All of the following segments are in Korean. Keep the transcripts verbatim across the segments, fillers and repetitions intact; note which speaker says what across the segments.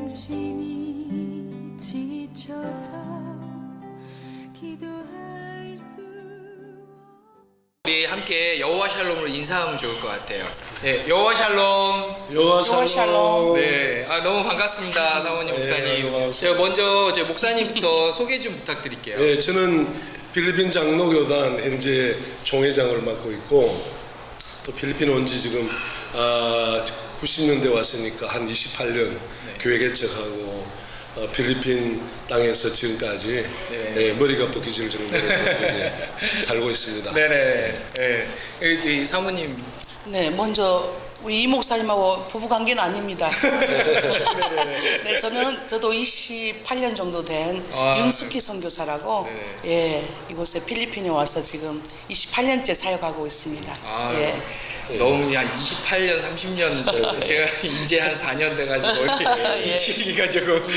Speaker 1: 당신이 지쳐서 기도할 수
Speaker 2: 우리 함께 여호와 샬롬으로 인사하면 좋을 것 같아요. 네, 여호와 샬롬.
Speaker 3: 여호와 샬롬.
Speaker 4: 샬롬.
Speaker 2: 네, 아 너무 반갑습니다, 사모님,
Speaker 3: 네,
Speaker 2: 목사님.
Speaker 3: 반갑습니다.
Speaker 2: 제가 먼저 제 목사님부터 소개 좀 부탁드릴게요.
Speaker 3: 네, 저는 필리핀 장로교단 현재 총회장을 맡고 있고, 또 필리핀 온 지 지금 아, 구십 년대 왔으니까 한 이십팔 년
Speaker 2: 네.
Speaker 3: 교회 개척하고 어, 필리핀 땅에서 지금까지
Speaker 2: 네.
Speaker 3: 예, 머리가 벗겨질 정도로 이렇게 살고 있습니다.
Speaker 2: 네네. 네. 네. 사모님.
Speaker 4: 네, 먼저 우리 이 목사님하고 부부 관계는 아닙니다. 네, 저는 저도 이십팔 년 정도 된
Speaker 2: 아,
Speaker 4: 윤숙희 선교사라고
Speaker 2: 네네.
Speaker 4: 예, 이곳에 필리핀에 와서 지금 이십팔 년째 사역하고 있습니다.
Speaker 2: 아,
Speaker 4: 예.
Speaker 2: 너무 한 이십팔 년, 삼십 년 제가 이제 한 사 년 돼가지고
Speaker 4: 예.
Speaker 2: 미치기가 조금.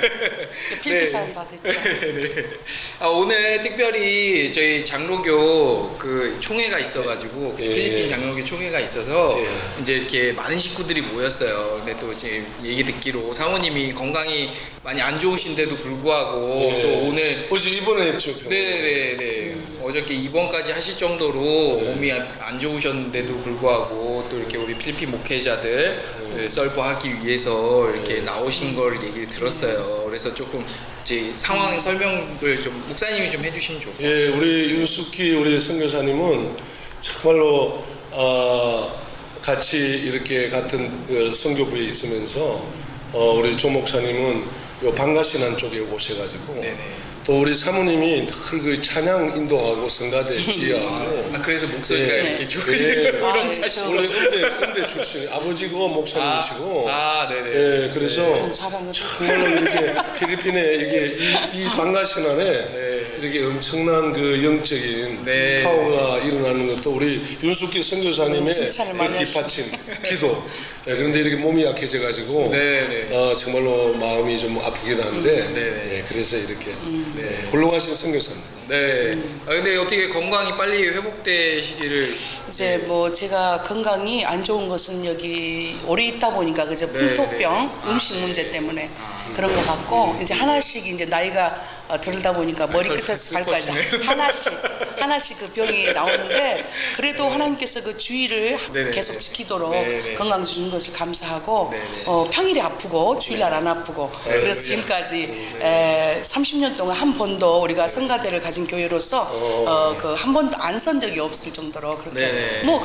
Speaker 4: 필리핀 사람 다 됐죠.
Speaker 2: 네. 아, 오늘 특별히 저희 장로교 그 총회가 있어가지고
Speaker 3: 예.
Speaker 2: 필리핀 장로교 총회가 있어서
Speaker 3: 예.
Speaker 2: 이제 이렇게 많은 식구들이 모였어요. 근데 또 이제 얘기 듣기로 사모님이 건강이 많이 안 좋으신데도 불구하고
Speaker 3: 예.
Speaker 2: 또 오늘
Speaker 3: 어제 입원했죠. 병원에.
Speaker 2: 네네네. 어저께 입원까지 하실 정도로 몸이 안 좋으셨는데도 불구하고 또 이렇게 우리 필리핀 목회자들 네, 썰보하기 위해서 이렇게 나오신 걸 얘기를 들었어요. 그래서 조금 이제 상황 설명을 좀 목사님이 좀 해주시면 좋을 것 같아요.
Speaker 3: 예, 우리 윤숙희 우리 선교사님은 정말로 어, 같이 이렇게 같은 어, 선교부에 있으면서 어, 우리 조 목사님은 요 방가신안 쪽에 오셔가지고
Speaker 2: 네네.
Speaker 3: 또 우리 사모님이 늘 그 찬양 인도하고 성가대 지휘하고
Speaker 2: 아, 그래서 목소리가
Speaker 3: 예.
Speaker 2: 이렇게
Speaker 3: 예.
Speaker 2: 좋으시고
Speaker 4: 아,
Speaker 2: 우렁차시고.
Speaker 3: 원래 음대 음대 출신 아버지고 목사님이시고
Speaker 2: 아, 네네.
Speaker 3: 예, 그래서
Speaker 4: 그런 사랑을
Speaker 3: 정말로 이렇게 필리핀에 이게 이, 이 방가신안에
Speaker 2: 네.
Speaker 3: 이렇게 엄청난 그 영적인
Speaker 2: 네.
Speaker 3: 파워가 일어나는 것도 우리 윤숙희 선교사님의
Speaker 4: 칭찬을
Speaker 3: 그
Speaker 4: 많이
Speaker 3: 뒷받침, 기도. 예, 그런데 이렇게 몸이 약해져가지고
Speaker 2: 네네.
Speaker 3: 어, 정말로 마음이 좀 아프긴 한데
Speaker 2: 네네.
Speaker 3: 예, 그래서 이렇게 예, 훌륭하신 선교사님.
Speaker 2: 네. 아, 근데 어떻게 건강이 빨리 회복되시기를.
Speaker 4: 이제 뭐 제가 건강이 안 좋은 것은 여기 오래 있다 보니까 그저
Speaker 2: 네,
Speaker 4: 풍토병,
Speaker 2: 네.
Speaker 4: 음식
Speaker 2: 아,
Speaker 4: 문제
Speaker 2: 네.
Speaker 4: 때문에 그런 것 같고 이제 하나씩 이제 나이가 어, 들다 보니까 머리
Speaker 2: 설-
Speaker 4: 끝에서 발까지
Speaker 2: 슬퍼지네요.
Speaker 4: 하나씩 하나씩 그 병이 나오는데 그래도 하나님께서 그 주의를
Speaker 2: 네네.
Speaker 4: 계속 지키도록
Speaker 2: 네네.
Speaker 4: 건강 주신 것을 감사하고
Speaker 2: 네네.
Speaker 4: 어, 평일에 아프고 주일날 안 아프고 그래서 지금까지 에, 삼십 년 동안 한 번도 우리가 성가대를 가진 교회로서 어, 그 한 번도 안 선 적이 없을 정도로 그렇게
Speaker 2: 네네.
Speaker 4: 뭐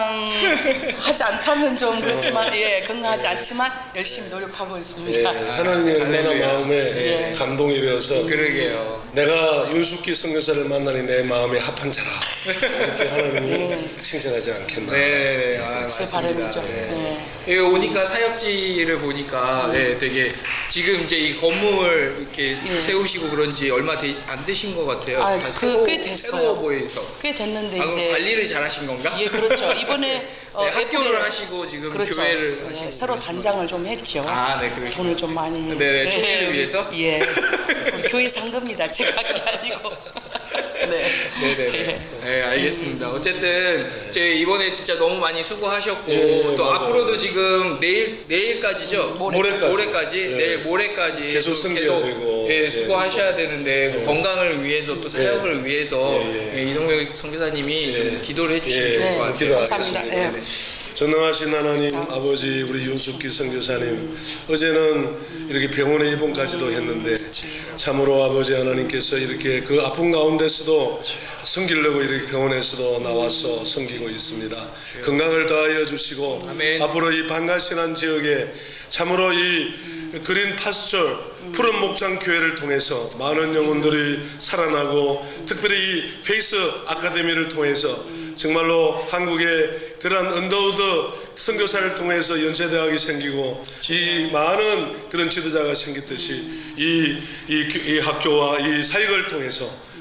Speaker 4: 건강하지 않다면 좀 그렇지만 예 건강하지 않지만 열심히 노력하고
Speaker 3: 예,
Speaker 4: 있습니다.
Speaker 3: 하나님이 얼마나
Speaker 2: 할렐루야.
Speaker 3: 마음에
Speaker 4: 예.
Speaker 3: 감동이 되어서
Speaker 2: 그러게요.
Speaker 3: 내가 윤숙희 선교사를 만나니 내 마음에 합한 자라 이렇게 하나님이 칭찬하지 않겠나.
Speaker 2: 네, 아,
Speaker 4: 제
Speaker 2: 맞습니다.
Speaker 4: 바람이죠.
Speaker 2: 네.
Speaker 4: 예.
Speaker 2: 여기 오니까 사역지를 보니까 네, 되게 지금 이제 이 건물 이렇게
Speaker 4: 예.
Speaker 2: 세우시고 그런지 얼마 되, 안 되신 것 같아요.
Speaker 4: 아,
Speaker 2: 다
Speaker 4: 그
Speaker 2: 새로,
Speaker 4: 꽤 됐어요.
Speaker 2: 새로워 보여서.
Speaker 4: 꽤 됐는데
Speaker 2: 아, 그럼
Speaker 4: 이제
Speaker 2: 관리를 잘하신 건가?
Speaker 4: 예 그렇죠. 이번에 어,
Speaker 2: 네, 학교를
Speaker 4: 예쁘게-
Speaker 2: 하시고 지금
Speaker 4: 그렇죠.
Speaker 2: 교회를
Speaker 4: 예,
Speaker 2: 하시고
Speaker 4: 새로
Speaker 2: 그러시구나.
Speaker 4: 단장을 좀 했죠.
Speaker 2: 아, 네, 그러시구나.
Speaker 4: 돈을 좀 많이.
Speaker 2: 네, 네, 총회를 위해서?
Speaker 4: 예. 우리 교회 산 겁니다. 제가 한 게 아니고. 네.
Speaker 2: 네네네. 네, 알겠습니다. 어쨌든 제 이번에 진짜 너무 많이 수고하셨고
Speaker 3: 예,
Speaker 2: 또
Speaker 3: 맞아요.
Speaker 2: 앞으로도 지금 내일 내일까지죠.
Speaker 4: 모레.
Speaker 3: 모레까지.
Speaker 2: 모레까지
Speaker 3: 예.
Speaker 2: 내일 모레까지
Speaker 3: 계속
Speaker 2: 또
Speaker 3: 섬겨야 되고.
Speaker 2: 예,
Speaker 3: 예.
Speaker 2: 수고하셔야 되는데 그 건강을 위해서 또 사역을 위해서
Speaker 3: 예, 예.
Speaker 2: 예, 이동혁 선교사님이
Speaker 3: 예.
Speaker 2: 좀 기도를 해주시면
Speaker 3: 예,
Speaker 2: 좋을
Speaker 4: 네,
Speaker 2: 것 같아요.
Speaker 3: 기도하겠습니다.
Speaker 4: 감사합니다. 예.
Speaker 3: 전능하신 하나님 아버지 우리 윤숙희 선교사님 어제는 이렇게 병원에 입원까지도 했는데 참으로 아버지 하나님께서 이렇게 그 아픈 가운데서도 섬기려고 이렇게 병원에서도 나와서 섬기고 있습니다. 건강을 다하여 주시고
Speaker 2: 아멘.
Speaker 3: 앞으로 이 반가신한 지역에 참으로 이 그린 파스처 푸른 목장 교회를 통해서 많은 영혼들이 살아나고 특별히 이 페이스 아카데미를 통해서 정말로 한국의 그러한 언더우드 선교사를 통해서 연세대학이 생기고 이 많은 그런 지도자가 생겼듯이 이, 이, 이 학교와 이 사역을 통해서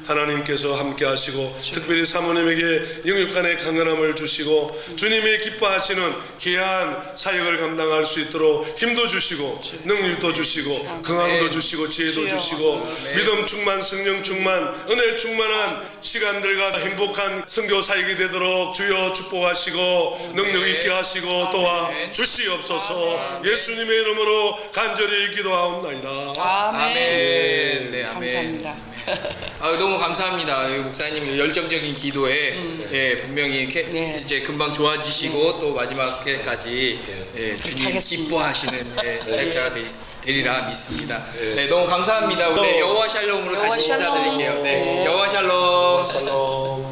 Speaker 3: 하나님께서 함께 하시고 특별히 사모님에게 영육간의 강건함을 주시고 주님이 기뻐하시는 귀한 사역을 감당할 수 있도록 힘도 주시고 능력도 주시고 건강도 주시고 지혜도
Speaker 4: 주여.
Speaker 3: 주시고 믿음 충만 성령 충만 은혜 충만한 시간들과 행복한 선교 사역이 되도록 주여 축복하시고 능력 있게 하시고 도와 주시옵소서. 예수님의 이름으로 간절히 기도하옵나이다.
Speaker 4: 아멘.
Speaker 2: 아멘. 네, 아멘.
Speaker 4: 감사합니다.
Speaker 2: 아, 너무 감사합니다. 이 목사님 열정적인 기도에 예, 분명히 이렇게
Speaker 4: 네.
Speaker 2: 이제 금방 좋아지시고 또 마지막까지 예, 주님
Speaker 4: 하겠습니다.
Speaker 2: 기뻐하시는 예, 사역자가 되, 되리라 믿습니다. 네, 너무 감사합니다. 네, 여호와 샬롬으로
Speaker 4: 여호와
Speaker 2: 다시
Speaker 4: 샬롬.
Speaker 2: 인사드릴게요. 네, 여호와 샬롬.
Speaker 3: 샬롬.